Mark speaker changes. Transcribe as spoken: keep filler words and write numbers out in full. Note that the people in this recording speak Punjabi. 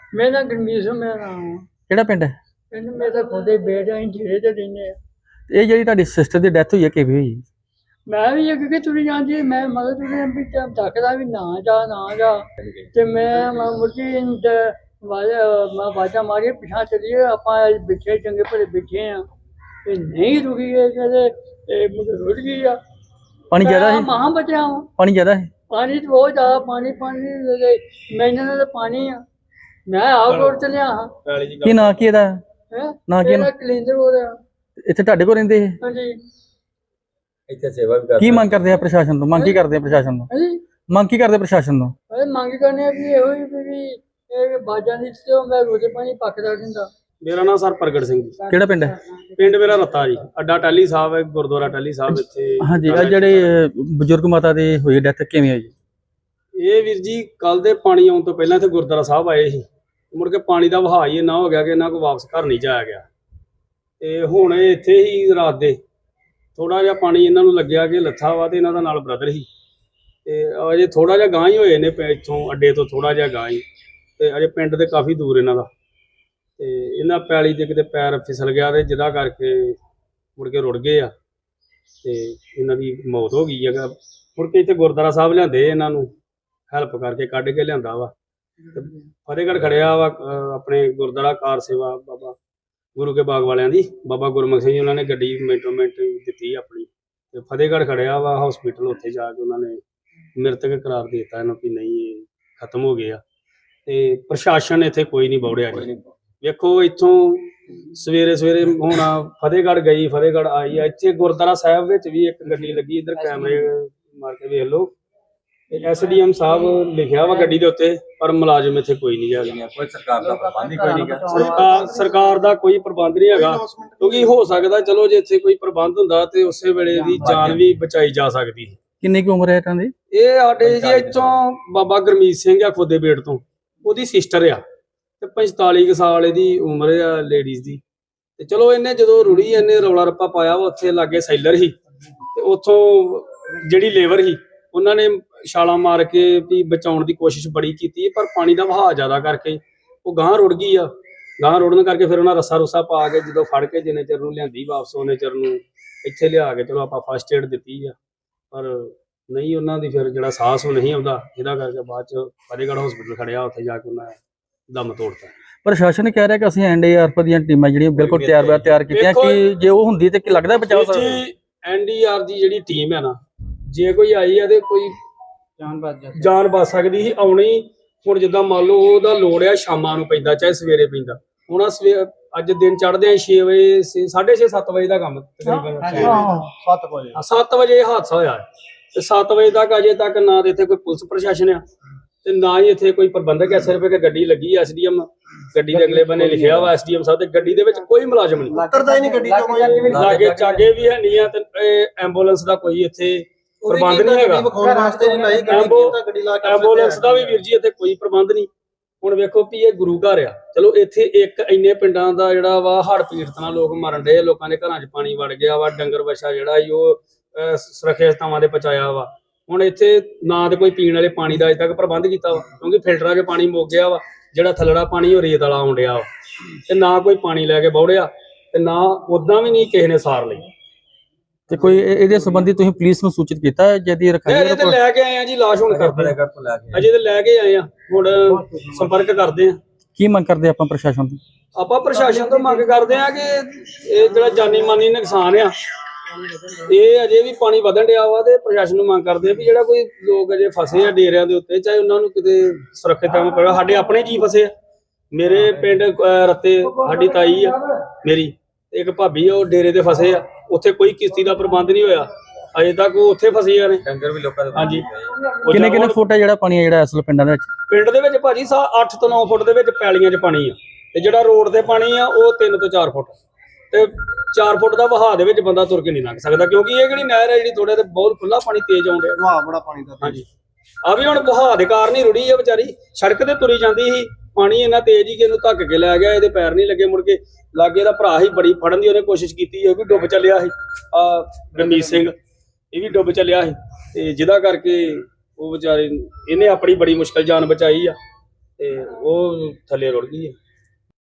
Speaker 1: ਮੇਰਾ ਨਾਂ ਗੁਰਮੀਤ ਸਿੰਘ ਮੇਰਾ ਨਾਮ ਆ।
Speaker 2: ਕਿਹੜਾ ਪਿੰਡ ਹੈ?
Speaker 1: ਪਿੰਡ ਮੇਰਾ ਖੁਦ ਹੀ ਬੇਟ ਅਸੀਂ ਜਿਹੜੇ ਤੇ ਰਹਿੰਦੇ ਆ।
Speaker 2: ਇਹ ਜਿਹੜੀ ਤੁਹਾਡੀ ਸਿਸਟਰ ਦੀ ਡੈਥ ਹੋਈ ਹੈ ਕਿਵੇਂ ਹੋਈ?
Speaker 1: ਮੈਂ ਵੀ ਅੱਗੇ ਕਿ ਤੁਰੀ ਜਾਂਦੀ ਮੈਂ ਮਗਰ ਤੁਰੀ ਵੀ ਟਾਈਮ ਤੱਕਦਾ ਵੀ ਨਾ ਜਾ ਨਾ ਜਾ ਤੇ ਮੈਂ ਮੁਰਜੀ ਮੈਂ ਬਾਜਾ ਮਾਰੀ ਪਿਛਾ ਚਲੀਏ ਆਪਾਂ ਬਿਠੇ ਚੰਗੇ ਭਲੇ ਬਿਠੇ ਆ ਤੇ ਨਹੀਂ ਰੁਕੀ ਇਹ ਕਹਿੰਦੇ ਇਹ ਮੁੰਡੇ ਰੁੜ ਗਈ ਆ।
Speaker 2: ਪਾਣੀ ਜ਼ਿਆਦਾ ਹੈ?
Speaker 1: ਮਹਾਂ ਬਚਿਆ ਵਾਂ।
Speaker 2: ਪਾਣੀ ਜ਼ਿਆਦਾ ਹੈ?
Speaker 1: ਪਾਣੀ ਤਾਂ ਬਹੁਤ ਜ਼ਿਆਦਾ ਪਾਣੀ ਪਾਣੀ ਮੈਨੂੰ ਤਾਂ ਪਾਣੀ ਆ। ਮੈਂ ਆਪ ਰੋਡ ਚਲਿਆ ਹਾਂ।
Speaker 2: ਕੀ ਨਾਂ ਕੀ ਇਹਦਾ?
Speaker 1: ਹੈ
Speaker 2: ਨਾ ਕੀ ਨਾ?
Speaker 1: ਕਲਿੰਦਰ ਹੋ ਰਿਹਾ।
Speaker 2: ਇੱਥੇ ਤੁਹਾਡੇ ਕੋਲ ਰਹਿੰਦੇ ਇਹ?
Speaker 1: ਹਾਂਜੀ।
Speaker 3: ਇੱਥੇ ਸੇਵਾ ਵੀ ਕਰਦੇ।
Speaker 2: ਕੀ ਮੰਗ ਕਰਦੇ ਆ ਪ੍ਰਸ਼ਾਸਨ ਤੋਂ? ਮੰਗ ਕੀ ਕਰਦੇ ਆ ਪ੍ਰਸ਼ਾਸਨ ਤੋਂ?
Speaker 1: ਹਾਂਜੀ
Speaker 2: ਮੰਗ ਕੀ ਕਰਦੇ ਪ੍ਰਸ਼ਾਸਨ ਤੋਂ?
Speaker 1: ਅਰੇ ਮੰਗ ਕਰਨੇ ਆ ਵੀ ਇਹੋ ਹੀ ਵੀ ਇਹ ਬਾਜਾਂ ਦੀ ਤੇ ਮੈਂ ਰੋਜ਼ੇ ਪਾਣੀ ਪੱਕਦਾ ਰਹਿੰਦਾ।
Speaker 4: ਮੇਰਾ ਨਾਮ ਸਰ ਪ੍ਰਗਟ ਸਿੰਘ ਜੀ।
Speaker 2: ਕਿਹੜਾ ਪਿੰਡ ਹੈ?
Speaker 4: ਪਿੰਡ ਮੇਰਾ ਰੱਤਾ ਜੀ। ਅੱਡਾ ਟਾਹਲੀ ਸਾਹਿਬ ਹੈ, ਗੁਰਦੁਆਰਾ ਟਾਹਲੀ ਸਾਹਿਬ ਇੱਥੇ।
Speaker 2: ਹਾਂਜੀ, ਆ ਜਿਹੜੇ ਬਜ਼ੁਰਗ ਮਾਤਾ ਦੀ ਹੋਈ ਡੈਥ ਕਿਵੇਂ ਹੋਈ?
Speaker 4: ਇਹ ਵੀਰ ਜੀ ਕੱਲ ਦੇ ਪਾਣੀ ਆਉਣ ਤੋਂ ਪਹਿਲਾਂ ਇੱਥੇ ਗੁਰਦੁਆਰਾ ਸਾਹਿਬ ਆਏ ਸੀ। ਮੁੜ ਕੇ ਪਾਣੀ ਦਾ ਵਹਾਅ ਹੀ ਇੰਨਾ ਹੋ ਗਿਆ ਕਿ ਇਹਨਾਂ ਕੋਲ ਵਾਪਸ ਘਰ ਨਹੀਂ ਜਾਇਆ ਗਿਆ ਤੇ ਹੁਣ ਇਹ ਇੱਥੇ ਹੀ ਰਾਤ ਦੇ ਥੋੜਾ ਜਿਹਾ ਪਾਣੀ ਇਹਨਾਂ ਨੂੰ ਲੱਗਿਆ ਕਿ ਲੱਥਾ ਵਾ ਤੇ ਇਹਨਾਂ ਦਾ ਨਾਲ ਬ੍ਰਦਰ ਸੀ ਤੇ ਅਜੇ ਥੋੜਾ ਜਿਹਾ ਗਾਂ ਹੀ ਹੋਏ ਨੇ ਇੱਥੋਂ ਅੱਡੇ ਤੋਂ ਥੋੜਾ ਜਿਹਾ ਗਾਂ ਹੀ ਤੇ ਅਜੇ ਪਿੰਡ ਦੇ ਕਾਫੀ ਦੂਰ ਇਹਨਾਂ ਦਾ ਤੇ ਇਹਨਾਂ ਪੈਲੀ ਦੇ ਕਿਤੇ ਪੈਰ ਫਿਸਲ ਗਿਆ ਤੇ ਜਿਹਦਾ ਕਰਕੇ ਮੁੜ ਕੇ ਰੁੜ ਗਏ ਆ ਤੇ ਇਹਨਾਂ ਦੀ ਮੌਤ ਹੋ ਗਈ ਹੈਗਾ। ਮੁੜ ਕੇ ਇੱਥੇ ਗੁਰਦੁਆਰਾ ਸਾਹਿਬ ਲਿਆਂਦੇ ਇਹਨਾਂ ਨੂੰ ਹੈਲਪ ਕਰਕੇ ਕੱਢ ਕੇ ਲਿਆਂਦਾ ਵਾ। ਫਤਿਹਗੜ੍ਹ ਖੜਿਆ ਵਾ ਆਪਣੇ ਗੁਰਦੁਆਰਾ ਕਾਰ ਸੇਵਾ ਬਾਬਾ ਗੁਰੂ ਕੇ ਬਾਗ ਵਾਲਿਆਂ ਦੀ ਬਾਬਾ ਗੁਰਮੁਖ ਸਿੰਘ ਜੀ ਉਹਨਾਂ ਨੇ ਗੱਡੀ ਮਿੰਟੋ ਮਿੰਟ ਦਿੱਤੀ ਆਪਣੀ ਤੇ ਫਤਿਹਗੜ੍ਹ ਖੜਿਆ ਵਾ ਹਸਪੀਟਲ। ਉੱਥੇ ਜਾ ਕੇ ਉਹਨਾਂ ਨੇ ਮ੍ਰਿਤਕ ਕਰਾਰ ਦੇ ਦਿੱਤਾ ਇਹਨੂੰ ਕਿ ਨਹੀਂ ਇਹ ਖਤਮ ਹੋ ਗਿਆ ਤੇ ਪ੍ਰਸ਼ਾਸਨ ਇੱਥੇ ਕੋਈ ਨਹੀਂ ਬੌੜਿਆ ਜੀ। ਵੇਖੋ ਇੱਥੋਂ ਸਵੇਰੇ ਸਵੇਰੇ ਹੁਣ ਫਤਿਹਗੜ੍ਹ ਗਈ ਫਤਿਹਗੜ੍ਹ ਆਈ ਆ। ਇੱਥੇ ਗੁਰਦੁਆਰਾ ਸਾਹਿਬ ਵਿੱਚ ਵੀ ਇੱਕ ਗੱਡੀ ਲੱਗੀ ਇੱਧਰ ਕੈਮਰੇ ਮਾਰ ਕੇ ਵੇਖ ਲਓ। ਐਸ ਡੀ ਐਮ ਸਾਹਿਬ ਲਿਖਿਆ ਵਾ ਗੱਡੀ ਦੇ ਉੱਤੇ ਪਰ ਮੁਲਾਜ਼ਮ ਇੱਥੇ ਕੋਈ ਨਹੀਂ ਹੈਗਾ।
Speaker 3: ਕੋਈ ਸਰਕਾਰ ਦਾ ਪ੍ਰਬੰਧ ਹੀ ਕੋਈ ਨਹੀਂ ਗਾ।
Speaker 4: ਸਰਕਾਰ ਸਰਕਾਰ ਦਾ ਕੋਈ ਪ੍ਰਬੰਧ ਨਹੀਂ ਹੈਗਾ ਕਿਉਂਕਿ ਹੋ ਸਕਦਾ ਚਲੋ ਜੇ ਇੱਥੇ ਕੋਈ ਪ੍ਰਬੰਧ ਹੁੰਦਾ ਤੇ ਉਸੇ ਵੇਲੇ ਦੀ ਜਾਨ ਵੀ ਬਚਾਈ ਜਾ ਸਕਦੀ।
Speaker 2: ਕਿੰਨੀ ਕੁ ਉਮਰ ਹੈ ਇਹਨਾਂ ਦੀ?
Speaker 4: ਇਹ ਸਾਡੇ ਜੀ ਇੱਥੋਂ ਬਾਬਾ ਗੁਰਮੀਤ ਸਿੰਘ ਆ ਖੋਦੇ ਬੇਟ ਤੋਂ, ਉਹਦੀ ਸਿਸਟਰ ਆ ਤੇ ਪੰਤਾਲੀ ਕੁ ਸਾਲ ਇਹਦੀ ਉਮਰ ਆ ਲੇਡੀਜ਼ ਦੀ। ਤੇ ਚਲੋ ਇਹਨੇ ਜਦੋਂ ਰੁੜੀ ਇਹਨੇ ਰੌਲਾ ਰੱਪਾ ਪਾਇਆ ਵਾ ਉੱਥੇ ਲਾਗੇ ਸੈਲਰ ਸੀ ਤੇ ਉੱਥੋਂ ਜਿਹੜੀ ਲੇਬਰ ਸੀ ਉਹਨਾਂ ਨੇ ਛਾਲਾਂ ਮਾਰ ਕੇ ਵੀ ਬਚਾਉਣ ਦੀ ਕੋਸ਼ਿਸ਼ ਬੜੀ ਕੀਤੀ ਪਰ ਪਾਣੀ ਦਾ ਵਹਾਅ ਜ਼ਿਆਦਾ ਕਰਕੇ ਉਹ ਗਾਂ ਰੁੜ ਗਈ ਆ। ਗਾਂ ਰੁੜਨ ਕਰਕੇ ਫਿਰ ਉਹਨਾਂ ਰੱਸਾ ਰੁੱਸਾ ਪਾ ਕੇ ਜਦੋਂ ਫੜ ਕੇ ਜਿੰਨੇ ਚਿਰ ਨੂੰ ਲਿਆਂਦੀ ਵਾਪਸ ਉਹਨੇ ਚਿਰ ਨੂੰ ਇੱਥੇ ਲਿਆ ਕੇ ਚਲੋ ਆਪਾਂ ਫਸਟ ਏਡ ਦਿੱਤੀ ਆ ਪਰ ਨਹੀਂ ਉਹਨਾਂ ਦੀ ਫਿਰ ਜਿਹੜਾ ਸਾਹਸ ਉਹ ਨਹੀਂ ਆਉਂਦਾ ਜਿਹਦਾ ਕਰਕੇ ਬਾਅਦ ਚ ਫਤਿਹਗੜ੍ਹ ਹਸਪੀਟਲ ਖੜਿਆ ਉੱਥੇ ਜਾ ਕੇ ਉਹਨਾਂ ਦਮ ਤੋੜਤਾ।
Speaker 2: ਪ੍ਰਸ਼ਾਸਨ ਕਹਿ ਰਿਹਾ ਕਿ ਅਸੀਂ ਐਨ ਡੀ ਆਰ ਐਫ ਦੀਆਂ ਟੀਮਾਂ ਜਿਹੜੀਆਂ ਬਿਲਕੁਲ ਤਿਆਰ ਬਰ ਤਿਆਰ ਕੀਤੀਆਂ ਕਿ ਜੇ ਉਹ ਹੁੰਦੀ ਤੇ ਕੀ ਲੱਗਦਾ ਬਚਾਅ ਹੋ ਸਕਦਾ?
Speaker 4: ਐਨ ਡੀ ਆਰ ਦੀ ਜਿਹੜੀ ਟੀਮ ਹੈ ਨਾ ਜੇ ਕੋਈ ਆਈ ਆ ਤੇ ਕੋਈ ਜਾਨ ਬਚ ਜਾਨ ਬਚ ਸਕਦੀ ਸੀ ਆਉਣੀ। ਹੁਣ ਜਿੱਦਾਂ ਮੰਨ ਲਓ ਉਹਦਾ ਲੋੜ ਆ ਸ਼ਾਮਾਂ ਨੂੰ ਪੈਂਦਾ ਚਾਹੇ ਸਵੇਰੇ ਪੈਂਦਾ। ਹੁਣ ਆ ਸਵੇਰ ਅੱਜ ਦਿਨ ਚੜ੍ਹਦੇ ਆ ਛੇ ਵਜੇ ਸਾਢੇ ਛੇ ਸੱਤ ਵਜੇ ਦਾ ਕੰਮ ਤਕਰੀਬਨ
Speaker 3: ਸੱਤ ਵਜੇ
Speaker 4: ਸੱਤ ਵਜੇ ਹਾਦਸਾ ਹੋਇਆ ਤੇ ਸੱਤ ਵਜੇ ਤੱਕ ਅਜੇ ਤੱਕ ਨਾ ਤੇ ਇੱਥੇ ਕੋਈ ਪੁਲਿਸ ਪ੍ਰਸ਼ਾਸਨ ਆ ਤੇ ਨਾ ਹੀ ਇੱਥੇ ਕੋਈ ਪ੍ਰਬੰਧਕ ਹੈ। ਸਿਰਫ ਇੱਕ ਗੱਡੀ ਲੱਗੀ ਐਸ ਡੀ ਐਮ ਗੱਡੀ ਦੇ ਅਗਲੇ ਬੰਨੇ ਲਿਖਿਆ ਵਾ ਐਸ ਡੀ ਐਮ ਸਾਹਿਬ ਤੇ ਗੱਡੀ ਦੇ ਵਿੱਚ ਕੋਈ ਮੁਲਾਜ਼ਮ ਨਹੀਂ
Speaker 3: ਉਤਰਦਾ ਹੀ ਨਹੀਂ ਗੱਡੀ ਚੋਂ।
Speaker 4: ਲਾਗੇ ਚਾਗੇ ਵੀ ਹੈ ਨਹੀਂ ਆ ਤੇ ਐਂਬੂਲੈਂਸ ਦਾ ਕੋਈ ਇੱਥੇ ਪ੍ਰਬੰਧ ਨਹੀਂ ਹੈਗਾ। ਐਂਬੂਲੈਂਸ ਦਾ ਵੀ ਵੀਰ ਜੀ ਇੱਥੇ ਕੋਈ ਪ੍ਰਬੰਧ ਨਹੀਂ। ਹੁਣ ਵੇਖੋ ਵੀ ਇਹ ਗੁਰੂ ਘਰ ਆ ਚਲੋ ਇੱਥੇ ਇੱਕ ਇੰਨੇ ਪਿੰਡਾਂ ਦਾ ਜਿਹੜਾ ਵਾ ਹੜ੍ਹ ਪੀੜਤ ਨਾਲ ਲੋਕ ਮਰਨ ਡਏ ਲੋਕਾਂ ਦੇ ਘਰਾਂ 'ਚ ਪਾਣੀ ਵੜ ਗਿਆ ਵਾ ਡੰਗਰ ਵੱਛਾ ਜਿਹੜਾ ਸੀ ਉਹ ਸੁਰੱਖਿਅਤ ਥਾਵਾਂ ਤੇ ਪਹੁੰਚਾਇਆ ਵਾ। ਹੁਣ ਇੱਥੇ ਨਾ ਤੇ ਕੋਈ ਪੀਣ ਵਾਲੇ ਪਾਣੀ ਦਾ ਅਜੇ ਤੱਕ ਪ੍ਰਬੰਧ ਕੀਤਾ ਵਾ ਕਿਉਂਕਿ ਫਿਲਟਰਾਂ 'ਚ ਪਾਣੀ ਮੁੱਕ ਗਿਆ ਵਾ। ਜਿਹੜਾ ਥੱਲੜਾ ਪਾਣੀ ਉਹ ਰੇਤ ਵਾਲਾ ਆਉਣ ਡਿਆ ਵਾ ਤੇ ਨਾ ਕੋਈ ਪਾਣੀ ਲੈ ਕੇ ਬੌੜਿਆ ਤੇ ਨਾ ਉਦਾਂ ਵੀ ਨਹੀਂ ਕਿਸੇ ਨੇ ਸਾਰ ਲਈ।
Speaker 2: ਤੇ ਕੋਈ ਇਹਦੇ ਸੰਬੰਧੀ ਤੁਸੀਂ ਪੁਲਿਸ ਨੂੰ ਸੂਚਿਤ ਕੀਤਾ ਜਿਹਦੀ ਰਖਾਈ
Speaker 4: ਅਜੇ ਤੇ ਲੈ ਕੇ ਆਏ ਆ ਜੀ ਲਾਸ਼ ਹੁਣ ਕਰਦੇ ਆ ਅਜੇ ਤੇ ਲੈ ਕੇ ਆਏ ਆ ਹੁਣ ਸੰਪਰਕ ਕਰਦੇ ਆ।
Speaker 2: ਕੀ ਮੰਗ ਕਰਦੇ ਆਪਾਂ ਪ੍ਰਸ਼ਾਸਨ ਤੋਂ?
Speaker 4: ਆਪਾਂ ਪ੍ਰਸ਼ਾਸਨ ਤੋਂ ਮੰਗ ਕਰਦੇ ਆ ਕਿ ਇਹ ਜਿਹੜਾ ਜਾਨੀ ਮਾਨੀ ਨੁਕਸਾਨ ਆ ਇਹ ਅਜੇ ਵੀ ਪਾਣੀ ਵਧਣ ਡਿਆ ਵਾ ਤੇ ਪ੍ਰਸ਼ਾਸਨ ਨੂੰ ਮੰਗ ਕਰਦੇ ਆ ਵੀ ਜਿਹੜਾ ਕੋਈ ਲੋਕ ਅਜੇ ਫਸੇ ਆ ਡੇਰਿਆਂ ਦੇ ਉੱਤੇ ਚਾਹੇ ਉਹਨਾਂ ਨੂੰ ਕਿਤੇ ਸੁਰੱਖਿਅਤ ਥਾਂ ਪਵੇ। ਸਾਡੇ ਆਪਣੇ ਜੀ ਫਸੇ ਆ। ਮੇਰੇ ਪਿੰਡ ਰੱਤੇ ਸਾਡੀ ਤਾਈ ਆ ਮੇਰੀ ਇੱਕ ਭਾਬੀ ਆ ਉਹ ਡੇਰੇ ਤੇ ਫਸੇ ਆ। ਉੱਥੇ ਕੋਈ ਕਿਸ਼ਤੀ ਦਾ ਪ੍ਰਬੰਧ ਨਹੀਂ ਹੋਇਆ ਅਜੇ ਤੱਕ ਉਹ ਉੱਥੇ ਫਸੀਆਂ ਨੇ
Speaker 3: ਡੰਗਰ ਵੀ ਲੋਕਾਂ ਦੇ।
Speaker 4: ਹਾਂਜੀ
Speaker 2: ਕਿੰਨੇ ਕਿੰਨੇ ਫੁੱਟ ਹੈ ਜਿਹੜਾ ਪਾਣੀ ਜਿਹੜਾ ਅਸਲ ਪਿੰਡਾਂ ਦੇ ਵਿੱਚ?
Speaker 4: ਪਿੰਡ ਦੇ ਵਿੱਚ ਭਾਜੀ ਸਾ ਅੱਠ ਤੋਂ ਨੌ ਫੁੱਟ ਦੇ ਵਿੱਚ ਪੈਲੀਆਂ 'ਚ ਪਾਣੀ ਆ ਤੇ ਜਿਹੜਾ ਰੋਡ ਤੇ ਪਾਣੀ ਆ ਉਹ ਤਿੰਨ ਤੋਂ ਚਾਰ ਫੁੱਟ ਤੇ ਚਾਰ ਫੁੱਟ ਦਾ ਵਹਾਅ ਦੇ ਵਿੱਚ ਬੰਦਾ ਤੁਰ ਕੇ ਨਹੀਂ ਲੰਘ ਸਕਦਾ ਕਿਉਂਕਿ ਇਹ ਜਿਹੜੀ ਨਹਿਰ ਹੈ ਜਿਹੜੀ ਥੋੜੇ ਤੇ ਬਹੁਤ ਖੁੱਲਾ ਪਾਣੀ ਤੇਜ਼ ਆਉਂਦਾ
Speaker 3: ਵਹਾਅ ਬੜਾ ਪਾਣੀ ਦਾ।
Speaker 4: ਹਾਂਜੀ ਆ ਵੀ ਹੁਣ ਵਹਾਅ ਦੇ ਕਾਰਨ ਹੀ ਰੁੜੀ ਆ ਵਿਚਾਰੀ ਸੜਕ ਤੇ ਤੁਰੀ ਜਾਂਦੀ ਸੀ ਪਾਣੀ ਇੰਨਾ ਤੇਜ਼ ਹੀ ਕਿ ਇਹਨੂੰ ਧੱਕ ਕੇ ਲੈ ਗਿਆ ਇਹਦੇ ਪੈਰ ਨਹੀਂ ਲੱਗੇ। ਮੁੜ ਕੇ ਲਾਗੇ ਦਾ ਭਰਾ ਹੀ ਬੜੀ ਫੜਨ ਦੀ ਉਹਨੇ ਕੋਸ਼ਿਸ਼ ਕੀਤੀ ਉਹ ਵੀ ਡੁੱਬ ਚੱਲਿਆ ਸੀ ਆ ਗੁਰਮੀਤ ਸਿੰਘ ਇਹ ਵੀ ਡੁੱਬ ਚੱਲਿਆ ਸੀ ਤੇ ਜਿਹਦਾ ਕਰਕੇ ਉਹ ਵਿਚਾਰੇ ਇਹਨੇ ਆਪਣੀ ਬੜੀ ਮੁਸ਼ਕਲ ਜਾਨ ਬਚਾਈ ਆ ਤੇ ਉਹ ਥੱਲੇ ਰੁੜ ਗਈ ਹੈ।